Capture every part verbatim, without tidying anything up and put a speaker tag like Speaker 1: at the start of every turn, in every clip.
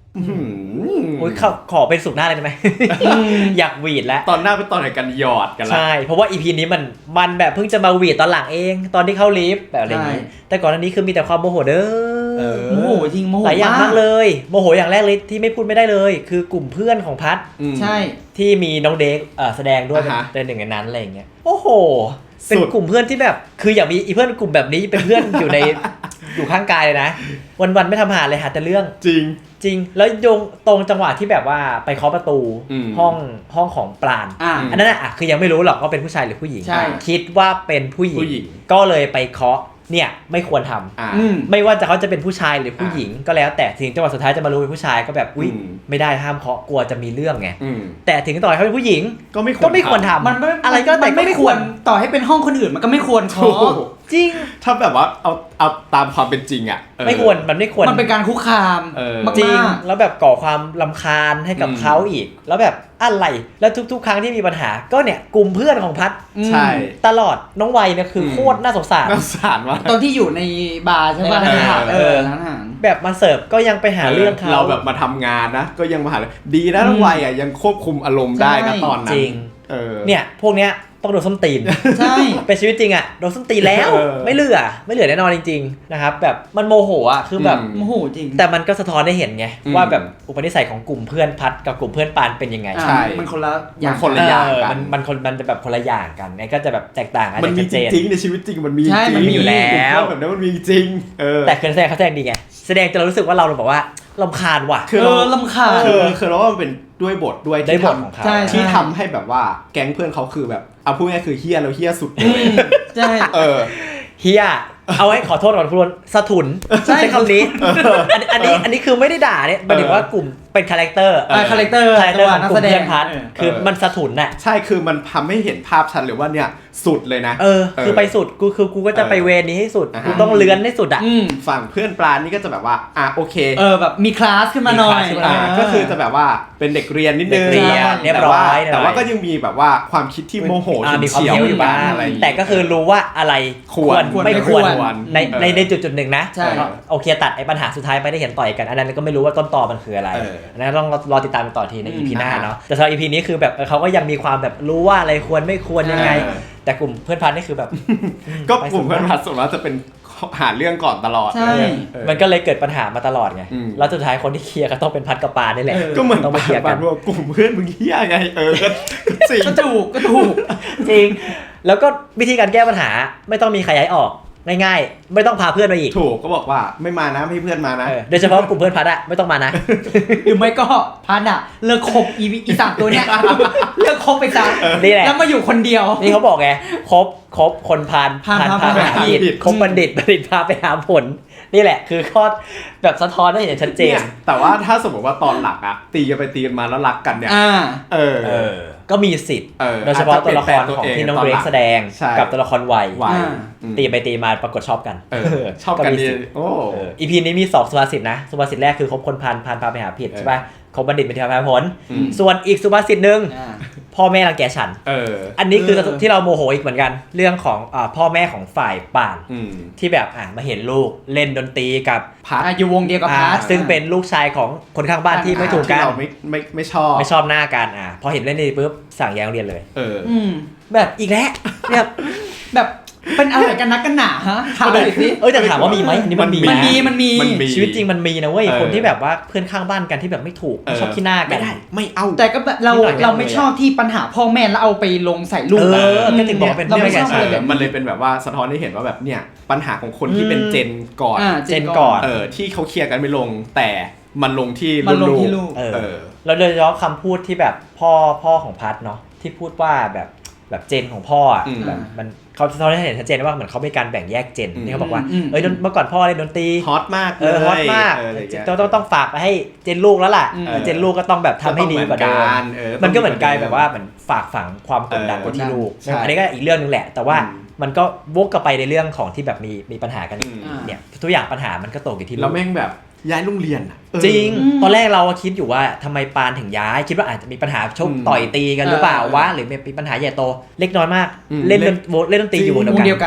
Speaker 1: โอ้ยขอเป็นสุดหน้าเลยได้ไหม อยากหวีดแล้ว
Speaker 2: ตอนหน้าเป็นตอนไหนกันหยอดกันละ
Speaker 1: ใช่เพราะว่า อี พี นี้มันมันแบบเพิ่งจะมาหวีดตอนหลังเองตอนที่เข้าลิฟต์แบบอะไรอย่างนี้แต่ก่อนหน้านี้คือมีแต่ความโมโหเด้อ
Speaker 3: โมโหจริงโมโห
Speaker 1: หลายอย่างมากเลยโมโหอย่างแรกเลยที่ไม่พูดไม่ได้เลยคือกลุ่มเพื่อนของพัด
Speaker 3: ใช่
Speaker 1: ที่มีน้องเด็กแสดงด้วยเป็นหนึ่งในนั้นอะไรอย่างเงี้ยโอ้โหเป็นกลุ่มเพื่อนที่แบบคืออยากมีอีเพื่อนกลุ่มแบบนี้เป็นเพื่อนอยู่ในอยู่ข้างกายเลยนะวันๆไม่ทำหาเลยหาแต่เรื่อง
Speaker 2: จริง
Speaker 1: จริงแล้วโยงตรงจังหวะที่แบบว่าไปเคาะประตูห้องห้องของปราณ
Speaker 3: อ,
Speaker 1: อันนั้นอ่ะคือยังไม่รู้หรอกว่าเป็นผู้ชายหรือผู้หญิงคิดว่าเป็นผู้หญิงก็เลยไปเคาะเนี่ยไม่ควรทำไม่ว่าจะเขาจะเป็นผู้ชายหรือผู้หญิงก็แล้วแต่ถึงจังหวะสุดท้ายจะมารู้เป็นผู้ชายก็แบบอุ้ยไม่ได้ห้ามเคาะกลัวจะมีเรื่องไงแต่ถึงต่อให้เขาเป็นผู้หญิง
Speaker 2: ก็ไม่
Speaker 1: ก็ไม่ควรทำ
Speaker 3: มัน
Speaker 1: อะไรก็แต่
Speaker 3: ไม่ควรต่อให้เป็นห้องคนอื่นมันก็ไม่ควรเคาะ
Speaker 1: จริง
Speaker 2: ถ้าแบบว่าเอาเอาตามความเป็นจริงอ่ะ
Speaker 1: ไม่ควรมันไม่ควร
Speaker 3: มันเป็นการคุกคาม
Speaker 1: จริงแล้วแบบก่อความรำคาญให้กับเขาอีกแล้วแบบอะไรแล้วทุกๆครั้งที่มีปัญหาก็เนี่ยกลุ่มเพื่อนของพัด
Speaker 2: ใช่
Speaker 1: ตลอดน้องวัยเนี่ยคือโคตรน่าสงสาร
Speaker 2: น่าสงสารมาก
Speaker 3: ตอนที่อยู่ในบาร์ใช่ป่ะเออ
Speaker 1: แบบมาเสิร์ฟก็ยังไปหาเรื่องเขา
Speaker 2: เราแบบมาทำงานนะก็ยังมาหาดีนะน้องวัยอ่ะยังควบคุมอารมณ์ได้นะตอนนั้น
Speaker 1: จริงเนี่ยพวกเนี้ยต้องโดนส้นตีน
Speaker 3: ใช่
Speaker 1: เป็นชีวิตจริงอ่ะโดนส้นตีนแล้วไม่เหลือไม่เหลือแน่นอนจริงๆนะครับแบบมันโมโหอ่ะคือแบบ
Speaker 3: โมโหจริง
Speaker 1: แต่มันก็สะท้อนได้เห็นไงว่าแบบอุปนิสัยของกลุ่มเพื่อนพัดกับกลุ่มเพื่อนปานเป็นยังไง
Speaker 3: ใช่มันคนละ
Speaker 2: อย่างคนละอย่างกั
Speaker 1: นมันคนมันจะแบบคนละอย่างกันไงก็จะแบบแตกต่างกัน
Speaker 2: มันมีจริงในชีวิตจริงมันมีจริง
Speaker 1: มันมีอยู่แล้ว
Speaker 2: แบบนั้นมันมีจริง
Speaker 1: แต่คือแสดงเขาแสดงดีไงแสดงจนเรารู้สึกว่าเราแบบว่าลำคาญว่ะ
Speaker 3: คือลำคาญ
Speaker 2: คือคือเราว่ามันเป็นด้วยบทด้วยที่ทำที่ทำให้แบบว่าแก๊งเพื่อนเขาคือแบบเอาพูดง่ายคือเฮี้ยแล้วเฮี้ยสุดเลย
Speaker 3: ใช่
Speaker 2: เออ
Speaker 1: เฮี้ยเอาไว้ขอโทษก่อนคุณสะทุนใช้คำนี้อันนี้อันนี้คือไม่ได้ด่าเนี่ยหมายถึงว่ากลุ่มเป็นคาแรคเตอร์
Speaker 3: คาแรคเตอร์
Speaker 1: คาแรคเตอร์ของกลุ่มเพื่อนพัดคือมันสะทุนน่ะ
Speaker 2: ใช่คือมันทำให้เห็นภาพชัดเลยว่าเนี่ยสุดเลยนะ
Speaker 1: เออคือไปสุดกูคือกูก็จะไปเวรนี้ให้สุดกูต้องเลื้อนให้สุดอ่ะ
Speaker 2: ฝั่งเพื่อนปลานี่ก็จะแบบว่าอ่ะโอเค
Speaker 3: เออแบบมีคลาสขึ้นมาหน่อย
Speaker 2: ก็คือจะแบบว่าเป็นเด็กเรียนนิดนึง
Speaker 1: เรียนเรียบร้อย
Speaker 2: แต่ว่าก็ยังมีแบบว่าความคิดที่โมโห
Speaker 1: มีความเชี่ยวอยู่บ้างแต่ก็คือรู้ว่าอะไรควรไม่ควรในในในจุดจุดหนึ่งนะโอเคตัดไอ้ปัญหาสุดท้ายไปได้เห็นต่อยกันอันนั้นก็ไม่รู้ว่าต้นตอมันคืออะไรนะต้องรอติดตามต่อทีใน อี พี หน้าเนาะแต่สำหรับ อี พี นี้คือแบบเขาก็ยังมีความแบบรู้ว่าอะไรควรไม่ควรยังไงแต่กลุ่มเพื่อนพันนี่คือแบบ
Speaker 2: ก็กลุ่มเพื่อนพันส่วนมากจะเป็นหาเรื่องก่อนตลอด
Speaker 1: มันก็เลยเกิดปัญหามาตลอดไงแล้วสุดท้ายคนที่เคลียร์ก็ต้องเป็นพัดกับปานี่แหละ
Speaker 2: ก็เหมือน
Speaker 1: ต้อง
Speaker 2: ไปเคลียร์กันว่ากลุ่มเพื่อนมึงเหี้ยไงเออจริง
Speaker 3: ก็ถูกก็ถูก
Speaker 1: จริงแล้วก็วิธีการแก้ปัญหาไม่ต้องมีใครย้ายออกง่ายๆไม่ต้องพาเพื่อนมาอีก
Speaker 2: ถูกก็บอกว่าไม่มานะไม่ให้เพื่อนมานะ
Speaker 1: โดยเฉพาะกลุ่มเพื่อนพัดอะไม่ต้องมานะ
Speaker 3: หรือไม่ก็พัดอะเลิกคบอีอีสามตัวเนี้ยเลิกคบไปซะ
Speaker 1: นี่แหละ
Speaker 3: แล้วมาอยู่คนเดียว
Speaker 1: นี่เขาบอกไงคบคบคนพาน
Speaker 3: พานพาไปหา
Speaker 1: ผิดคบบัณฑิตบัณฑิตพาไปหาผลนี่แหละคือข้อแบบสะท้อนได้อย่างชัดเจน
Speaker 2: แต่ว่าถ้าสมมติว่าตอนหลักอะตีกันไปตีกันมาแล้วรักกันเนี่ยเออ
Speaker 1: ก็มีสิทธิ์โดยเฉพาะตัวละครของที่น้องเรกแสดงกับตัวละครวัยตีไปตีมาปรากฏชอบกัน
Speaker 2: ชอบกันดีโอ้
Speaker 1: อี พี นี้มีสองสุภาษิตนะสุภาษิตแรกคือคบคนพาลพาลพาไปหาผิดใช่ป่ะคบบัณฑิตเป็นที่พาผลส่วนอีกสุภาษิตนึงพ่อแม่รังแกฉันอันนี้คือที่เราโมโหอีกเหมือนกันเรื่องของพ่อแม่ของฝ่ายป่านที่แบบอ่ะมาเห็นลูกเล่นดนตรีกับ
Speaker 3: พัดอยู่วงเดียวกับพัด
Speaker 1: ซึ่งเป็นลูกชายของคนข้างบ้านที่ไม่ถูกกัน
Speaker 2: เราไม่ไม่ไม่ชอบ
Speaker 1: ไม่ชอบหน้ากันอ่ะพอเห็นเล่นนี่ปุ๊บสั่งย้ายโรงเรียนเลย
Speaker 2: เออ
Speaker 1: แบบอีกแล้วแบบ
Speaker 3: แบบเป็นอะไรกันนักกันหนาฮะถามเลยสิ
Speaker 1: เอ้ยแต่ถามว่ามีไหมอันนี้มันมี
Speaker 3: มันมีมันมี
Speaker 1: ชีวิตจริงมันมีนะเว้ยคนที่แบบว่าเพื่อนข้างบ้านกันที่แบบไม่ถูกไม่ชอบขี้หน้ากัน
Speaker 2: ไม่ได้ไม่เอา
Speaker 3: แต่ก็แบบเราเราไม่ชอบที่ปัญหาพ่อแม่แล้วเอาไปลงใส่ลูก
Speaker 1: เออก็ถึงบอกเป็น
Speaker 3: เราไม่ชอบ
Speaker 2: เลยแบบมันเลยเป็นแบบว่าสะท้อนให้เห็นว่าแบบเนี่ยปัญหาของคนที่เป็นเจนก่อน
Speaker 1: เจนก่อน
Speaker 2: เออที่เขาเคลียร์กันไม่ลงแต่มันลงที่
Speaker 3: ลูก
Speaker 1: เออแล้วโดยเฉพาะคำพูดที่แบบพ่อพ่อของพัดเนาะที่พูดว่าแบบแบบเจนของพ่ออ่ะแบบมันเขาเขาได้เห็นชัดเจนว่าเหมือนเขามีการแบ่งแยกเจนที่เขาบอกว่าเอ้ยเมื่อก่อนพ่อเล่นดนตรี
Speaker 2: ฮอตมาก
Speaker 1: เออฮอตมากต้องต้องต้องฝากไปให้เจนลูกแล้วล่ะเจนลูกก็ต้องแบบทำให้ดีกว่าเดิมมันก็เหมือนกลายแบบว่าเหมือนฝากฝังความกดดันไว้ที่ลูกอันนี้ก็อีกเรื่องนึงแหละแต่ว่ามันก็วกกลับไปในเรื่องของที่แบบมีมีปัญหากันเนี่ยทุกอย่างปัญหามันก็ตกอยู่ที่ลูก
Speaker 2: แล้วแม่งแบบย้ายโรงเรียน
Speaker 1: จริงตอนแรกเราคิดอยู่ว่าทำไมปานถึงย้ายคิดว่าอาจจะมีปัญหาชกต่อยตีกันหรือเปล่าวะหรือมีปัญหาใหญ่โตเล็กน้อยมากเล่นเล่นดนตรีอยู่วงเดียวกัน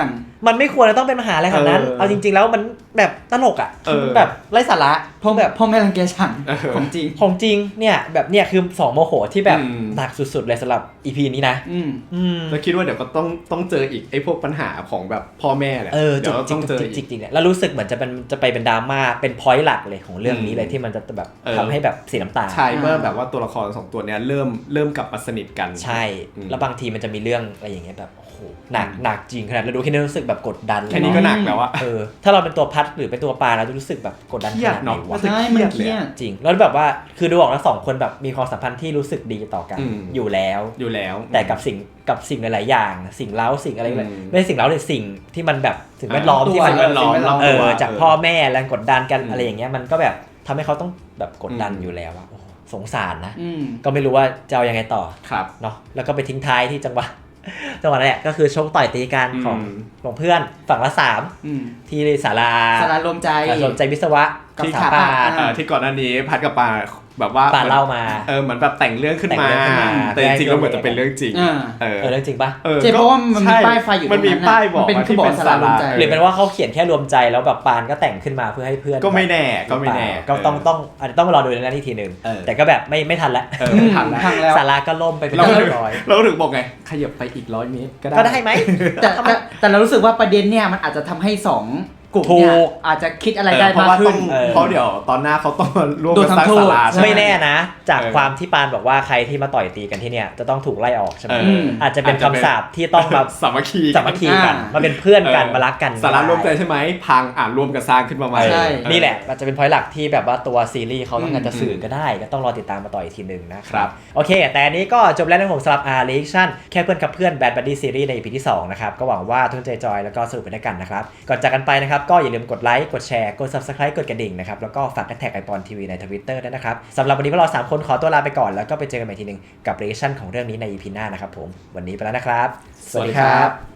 Speaker 1: มันไม่ควรจะต้องเป็นปัญหาอะไรขนาดนั้น
Speaker 2: เออ
Speaker 1: เอาจริงๆแล้วมันแบบตลกอ่ะ
Speaker 2: เออ
Speaker 1: แบบไร้สาระ
Speaker 3: พ่อแบบพ่อแม่รังแกฉันของจริง
Speaker 1: ของจริงเนี่ยแบบเนี่ยคือสองโมโหที่แบบ
Speaker 2: อืม
Speaker 1: หนักสุดๆเลยสำหรับ อี พี นี้นะ
Speaker 3: อืม
Speaker 1: อืม
Speaker 2: แล้วคิดว่าเดี๋ยวก็ต้องต้องเจออีกไอ้พวกปัญหาของแบบพ่อแม่แหละ
Speaker 1: เออจ
Speaker 2: เดี๋ยว
Speaker 1: ริ
Speaker 2: ต้อง
Speaker 1: ง
Speaker 2: เจอ
Speaker 1: จ
Speaker 2: อี
Speaker 1: ริง
Speaker 2: ก
Speaker 1: จริงๆเนี่ยแล้วรู้สึกเหมือนจะเป็นจะไปเป็นดราม่าเป็นพอยต์หลักเลยของเรื่องนี้เลยที่มันจะแบบ
Speaker 2: เออ
Speaker 1: ทำให้แบบเสียน้ำตา
Speaker 2: ใช่เมื่อแบบว่าตัวละครสองตัวเนี้ยเริ่มเริ่มกลับมาสนิทกัน
Speaker 1: ใช่
Speaker 2: อืม
Speaker 1: แล้วบางทีมันจะมีเรื่องอะไรอย่างเงี้ยแบบโอ้โหหนักหนักจริงขนาดเราดูแค่นี้รู้สึกแบบกดดันเลย
Speaker 2: แค่นี้ก็หนักแล้วอะ
Speaker 1: เออถ้าเราเป็นตัวพัดหรือเป็นตัวปลาเราจะรู้สึกแบบกดดัน
Speaker 2: เค
Speaker 1: ข
Speaker 2: รียด
Speaker 1: นาดไหน
Speaker 2: เนาะ
Speaker 1: วะ
Speaker 2: จะ
Speaker 3: ใช่
Speaker 2: เครี
Speaker 3: มั
Speaker 2: ย
Speaker 3: น
Speaker 2: ด
Speaker 3: เค
Speaker 2: เลย
Speaker 3: รีย
Speaker 2: อะ
Speaker 3: ด
Speaker 1: จริงแล้วแบบว่าคือดูออกแล้วสองคนแบบมีความสัมพันธ์ที่รู้สึกดีต่อกัน
Speaker 2: อืม
Speaker 1: อยู่แล้ว
Speaker 2: อยู่แล้ว
Speaker 1: แต่กับสิ่งกับสิ่งหลายๆอย่าง สิ่งเล้าสิ่งอะไร
Speaker 2: อืม
Speaker 1: ไม่ใช่สิ่งเล้าเลยสิ่งที่มันแบบสิ่งแวดล้อมที่มัน
Speaker 2: สิ่งแวดล้อมรอบ
Speaker 1: เอ
Speaker 2: ตัว
Speaker 1: อจากพ่อแม่แรงกดดันกัน
Speaker 2: อืม
Speaker 1: อะไรอย่างเงี้ยมันก็แบบทำให้เขาต้องแบบกดดัน
Speaker 2: อืม
Speaker 1: อยู่แล้วอะโอ้โหสงสารนะ
Speaker 3: อืม
Speaker 1: ก็ไม่รู้ว่าจะเอายังไงต่อ
Speaker 2: ครับ
Speaker 1: เนาะแล้วก็ไปทิ้งท้ายที่จังหวะ จังหวะนั้นแหละก็คือชกต่อยตีกัน
Speaker 2: อืม
Speaker 1: ของของเพื่อนฝั่งละสาม
Speaker 3: อืม
Speaker 1: ที่ศาลา
Speaker 3: สารารวมใจ
Speaker 1: ศาลารวมใจวิศวะกับ
Speaker 3: ที่
Speaker 1: สถาปัตย์
Speaker 3: อ่า
Speaker 2: เอ่อที่ก่อนหน้านี้พัดกับปาแบบว่า
Speaker 1: ปาเล่ามา
Speaker 2: เออเหมือนแบบแต่งเรื่องขึ้นมา
Speaker 1: แต่งเรื่องขึ้นมา
Speaker 2: แต่จริงๆแล้วเหมือนจะเป็นเรื่องจริง
Speaker 3: อ่า
Speaker 2: เออ
Speaker 1: เออเรื่องจริงปะ
Speaker 2: ออ
Speaker 3: เจ๊เพราะว่ามันมี
Speaker 2: ใช่
Speaker 3: ป้ายไฟอยู่
Speaker 2: มันมี
Speaker 3: ตรงนั้นน่ะ
Speaker 2: ป้ายบอก
Speaker 3: มันเป็น
Speaker 2: ว่า
Speaker 3: คือ
Speaker 2: ที่
Speaker 3: บอก
Speaker 2: เป็น
Speaker 3: สา
Speaker 2: ศา
Speaker 3: รา
Speaker 2: ลาร
Speaker 3: วมใจ
Speaker 1: หรือเป็นว่าเขาเขียนแค่รวมใจแล้วแบบปานก็แต่งขึ้นมาเพื่อให้เพื่อน
Speaker 2: ก็ไม่แน่ก็ไม่แน่
Speaker 1: ก็ต้องต้องอาจจะต้องรอดูในนั้นอีกทีหนึ่ง
Speaker 2: เออ
Speaker 1: แต่ก็แบบไม่ไม่ทันแล้ว
Speaker 2: เออ
Speaker 3: อืม
Speaker 2: ทันแล้ว
Speaker 3: ทางแล้ว
Speaker 1: ศาลาก็ล่มไปเป็น
Speaker 2: เรา
Speaker 1: ที่
Speaker 2: ถึ
Speaker 1: เรี
Speaker 2: ง
Speaker 1: ยบร้อย
Speaker 2: เราถึงบอกไงขยับไปอีกร้อยเมตรก็ได้
Speaker 1: ก็ได้ไหม
Speaker 3: แต่แต่แต่เรารู้สึกว่าประเด็นเนี่ยมันอาจจะทำให้สองกลุ่มเนี่ย
Speaker 1: ถูก
Speaker 3: อาจจะคิดอะไร
Speaker 2: เออ
Speaker 3: ได้
Speaker 2: เพราะ
Speaker 3: มาก
Speaker 2: ว่า
Speaker 3: ขึ้
Speaker 2: ต้
Speaker 3: น
Speaker 2: อง
Speaker 1: เออ
Speaker 2: เพราะเดี๋ยวตอนหน้าเขาต้องมาร่วม
Speaker 3: โด
Speaker 2: กัน
Speaker 3: น
Speaker 2: สร้าง
Speaker 3: ทำโทษ
Speaker 2: ศาลาใช่ไหม
Speaker 1: ไม่แน่นะ จาก
Speaker 2: เออ
Speaker 1: ความที่ปานบอกว่าใครที่มาต่อยตีกันที่เนี่ยจะต้องถูกไล่ออกใช่ไหม
Speaker 2: เออ
Speaker 1: อาจจะเป็น
Speaker 2: อาจจะเป็น
Speaker 1: คำสาปที่ต้องมา
Speaker 2: สามัคคี
Speaker 1: สามัคคีกัน
Speaker 3: อ่าม
Speaker 1: มาเป็นเพื่อนกัน
Speaker 2: เออ
Speaker 1: มารักกัน
Speaker 2: สาระรวมใจใช่ไหมพังอ่านรวมกันสร้างขึ้นมาใหม่
Speaker 3: ใช่
Speaker 2: เออ
Speaker 1: นี่แหละอาจจะเป็นพอยต์หลักที่แบบว่าตัวซีรีส์เขาต้องการจะ
Speaker 2: อืม
Speaker 1: สื่อก็ได้ก็ต้องรอติดตามมาต่ออีกทีหนึ่งนะค
Speaker 2: ครั
Speaker 1: รับบ โอเค แต่อันนี้ก็จบแล้วนะผมสำหรับ R Reaction แค่เพื่อนกับเพื่อน Bad Buddy Series ใน อี พี ที่สองนะครับก็หวังว่าทุกคนจะจอยแล้วก็สนุกไปด้วยกันนะครับก่อนจากกันไปนะครับก็อย่าลืมกดไลค์กดแชร์กด Subscribe กดกระดิ่งนะครับแล้วก็ฝากแท็กไอปอนทีวีใน Twitter ด้วยนะครับสำหรับวันนี้พวกเราสามคนขอตัวลาไปก่อนแล้วก็ไปเจอกันใหม่ทีหนึงกับ Reaction ของเรื่องนี้ใน อี พี หน้านะครับผมวันนี้ไปแล้วนะครับ
Speaker 2: สวัสดีครับ